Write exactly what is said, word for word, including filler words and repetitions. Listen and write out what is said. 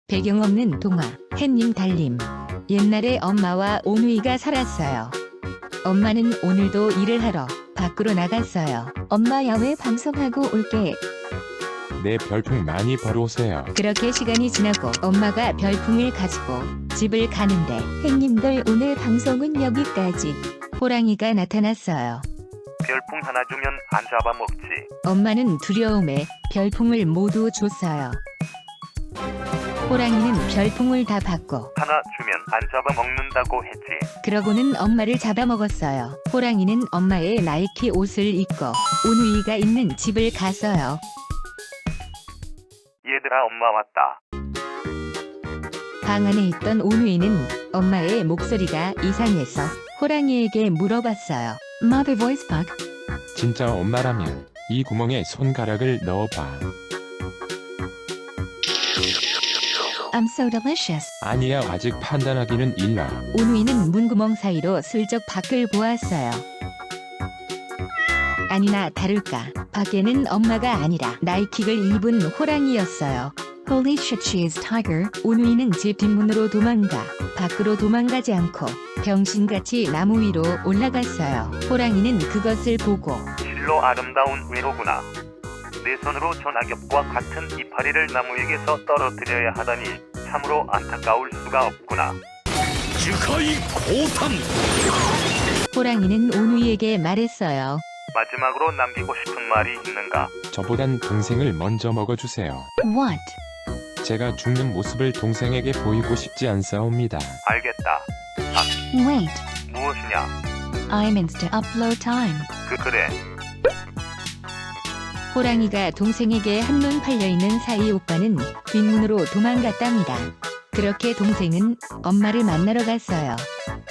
배경 없는 동화, 햇님 달님. 옛날에 엄마와 오누이가 살았어요. 엄마는 오늘도 일을 하러 밖으로 나갔어요. 엄마 야외 방송하고 올게. 내 별풍 많이 벌어오세요. 그렇게 시간이 지나고 엄마가 별풍을 가지고 집을 가는데 햇님들 오늘 방송은 여기까지. 호랑이가 나타났어요. 별풍 하나 주면 안 잡아먹지. 엄마는 두려움에 별풍을 모두 줬어요. 호랑이는 별풍을 다 받고 하나 주면 안 잡아먹는다고 했지. 그러고는 엄마를 잡아먹었어요. 호랑이는 엄마의 나이키 옷을 입고 오누이가 있는 집을 갔어요. 얘들아, 엄마 왔다. 방 안에 있던 오누이는 엄마의 목소리가 이상해서 호랑이에게 물어봤어요. Mother voice bug. 진짜 엄마라면 이 구멍에 손가락을 넣어봐. I'm so delicious. 아니야, 아직 판단하기는 일러. 오누이는 문구멍 사이로 슬쩍 밖을 보았어요. 아니나 다를까 밖에는 엄마가 아니라 나이킥을 입은 호랑이였어요. Holy shit, she is tiger. 오누이는 집 뒷문으로 도망가 밖으로 도망가지 않고 병신같이 나무 위로 올라갔어요. 호랑이는 그것을 보고 실로 아름다운 외로구나. 내 손으로 저 낙엽과 같은 이파리를 나무 위에서 떨어뜨려야 하다니 참으로 안타까울 수가 없구나. 호랑이는 오누이에게 말했어요. 마지막으로 남기고 싶은 말이 있는가? 저보단 동생을 먼저 먹어주세요. What? 제가 죽는 모습을 동생에게 보이고 싶지 않사옵니다. 알겠다. Wait. 무엇이냐? I'm insta upload time. 그 그래. 호랑이가 동생에게 한눈 팔려있는 사이 오빠는 뒷문으로 도망갔답니다. 그렇게 동생은 엄마를 만나러 갔어요.